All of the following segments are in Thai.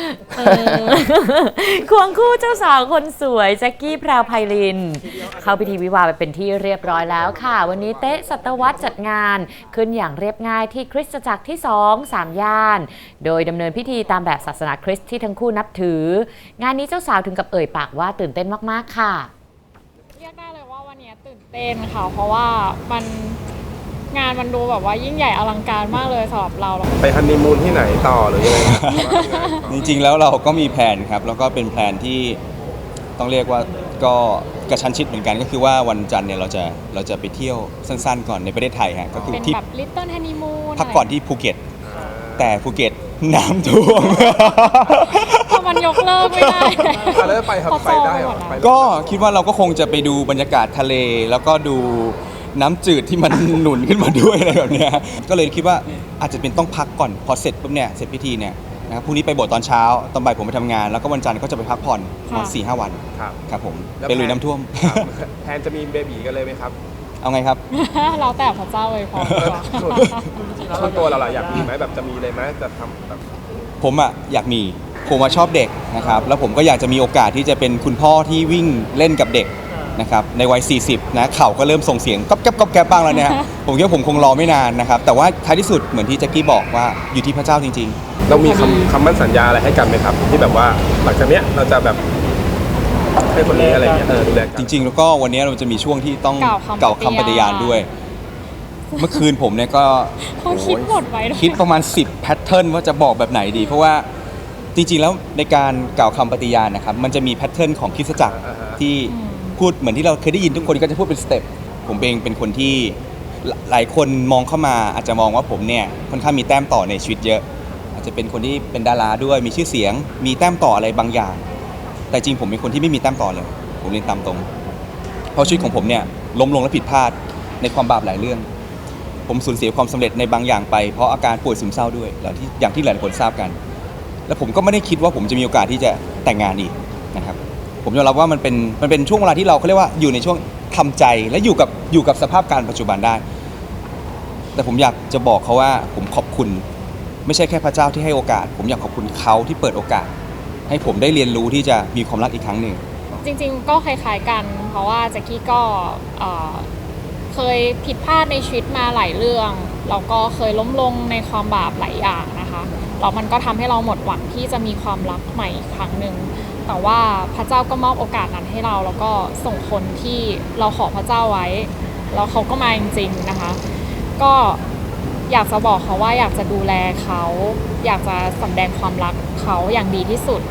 ควงคู่เจ้าสาวคนสวยแจ็คกี้แพรวไพลินเข้าพิธีวิวาห์ไปเป็นที่เรียบร้อยแล้วค่ะวันนี้เต๊ะสัตวัฒน์จัดงานขึ้นอย่างเรียบง่ายที่คริสตจักรที่2-3 ย่านโดยดำเนินพิธีตามแบบศาสนาคริสต์ที่ทั้งคู่นับถืองานนี้เจ้าสาวถึงกับเอ่ยปากว่าตื่นเต้นมากๆค่ะเรียกได้เลยว่าวันนี้ตื่นเต้นค่ะเพราะว่างานมันดูแบบว่ายิ่งใหญ่อลังการมากเลยสำหรับเราไปฮันนีมูนที่ไหนต่อหรือยังไงจริงๆแล้วเราก็มีแผนครับแล้วก็เป็นแผนที่ต้องเรียกว่าก็กระชั้นชิดเหมือนกันก็คือว่าวันจันทร์เนี่ยเราจะไปเที่ยวสั้นๆก่อนในประเทศไทยฮะก็คือเป็นที่แบบลิตเติ้ลฮันนีมูนพักก่อนที่ภูเก็ตแต่ภูเก็ตน้ำท่วมมันยกเลิกไม่ได้แล้วไปครับไปได้หรอก็คิดว่าเราก็คงจะไปดูบรรยากาศทะเลแล้วก็ดูน้ำจืดที่มันหนุนขึ้นมาด้วยอะไรแบบนี้ก็เลยคิดว่าอาจจะเป็นต้องพักก่อนพอเสร็จปุ๊บเนี่ยเสร็จพิธีเนี่ยนะครับพรุ่งนี้ไปโบสถ์ตอนเช้าตอนบ่ายผมไปทำงานแล้วก็วันจันทร์ก็จะไปพักผ่อน4-5 วันครับผมไปลุยน้ำท่วมแทนจะมีเบบีกันเลยไหมครับเอาไงครับเราแต่พระเจ้าเลยพอส่วนตัวเราอยากมีไหมแบบจะมีเลยไหมจะทำแบบผมอยากมีผมชอบเด็กนะครับแล้วผมก็อยากจะมีโอกาสที่จะเป็นคุณพ่อที่วิ่งเล่นกับเด็กนะครับในวัย40นะเข่าก็เริ่มส่งเสียงก๊อบแก๊บก๊อบแก๊บบ้างแล้วเนี่ยผมคิดว่าผมคงรอไม่นานนะครับแต่ว่าท้ายที่สุดเหมือนที่แจ็คกี้บอกว่าอยู่ที่พระเจ้าจริงๆเรามีคำมั่นสัญญาอะไรให้กันไหมครับที่แบบว่าหลังจากเนี้ยเราจะแบบให้คนนี้อะไรเงี้ยดูแลจริงๆแล้วก็วันนี้เราจะมีช่วงที่ต้องเก่าคำปฏิญาณด้วยเมื่อคืนผมเนี่ยก็คิดหมดไว้คิดประมาณ10แพทเทิร์นว่าจะบอกแบบไหนดีเพราะว่าจริงๆแล้วในการกล่าวคำปฏิญาณนะครับมันจะมีแพทเทิร์นของคริสตจักรที่พูดเหมือนที่เราเคยได้ยินทุกคนก็จะพูดเป็นสเต็ปผมเองเป็นคนที่หลายคนมองเข้ามาอาจจะมองว่าผมเนี่ยค่อนข้างมีแต้มต่อในชีวิตเยอะอาจจะเป็นคนที่เป็นดาราด้วยมีชื่อเสียงมีแต้มต่ออะไรบางอย่างแต่จริงผมเป็นคนที่ไม่มีแต้มต่อเลยผมเรียนตามตรงเพราะชีวิตของผมเนี่ยล้มลงและผิดพลาดในความบาปหลายเรื่องผมสูญเสียความสำเร็จในบางอย่างไปเพราะอาการป่วยซึมเศร้าด้วยแล้วที่อย่างที่หลายคนทราบกันแล้วผมก็ไม่ได้คิดว่าผมจะมีโอกาสที่จะแต่งงานอีกนะครับผมยอมรับว่ามันเป็นช่วงเวลาที่เราเขาเรียกว่าอยู่ในช่วงทำใจและอยู่กับสภาพการปัจจุบันได้แต่ผมอยากจะบอกเขาว่าผมขอบคุณไม่ใช่แค่พระเจ้าที่ให้โอกาสผมอยากขอบคุณเขาที่เปิดโอกาสให้ผมได้เรียนรู้ที่จะมีความรักอีกครั้งหนึ่งจริงๆก็คล้ายๆกันเพราะว่าแจ็คกี้ก็เคยผิดพลาดในชีวิตมาหลายเรื่องแล้วก็เคยล้มลงในความบาปหลายอย่างนะคะแล้วมันก็ทำให้เราหมดหวังที่จะมีความรักใหม่อีกครั้งหนึ่งแต่ว่าพระเจ้าก็มอบโอกาสนั้นให้เราแล้วก็ส่งคนที่เราขอพระเจ้าไว้แล้วเขาก็มาจริงๆนะคะก็อยากจะบอกเขาว่าอยากจะดูแลเขาอยากจะแสดงความรักเขาอย่างดีที่สุด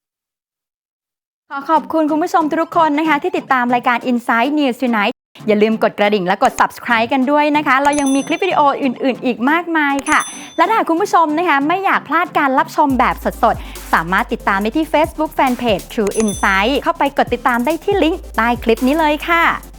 ขอบคุณคุณผู้ชมทุกคนนะคะที่ติดตามรายการ Inside News Tonight อย่าลืมกดกระดิ่งและกด Subscribe กันด้วยนะคะเรายังมีคลิปวิดีโออื่นๆอีกมากมายค่ะและถ้าคุณผู้ชมนะคะไม่อยากพลาดการรับชมแบบสดๆสามารถติดตามได้ที่ Facebook Fanpage True Insight เข้าไปกดติดตามได้ที่ลิงก์ใต้คลิปนี้เลยค่ะ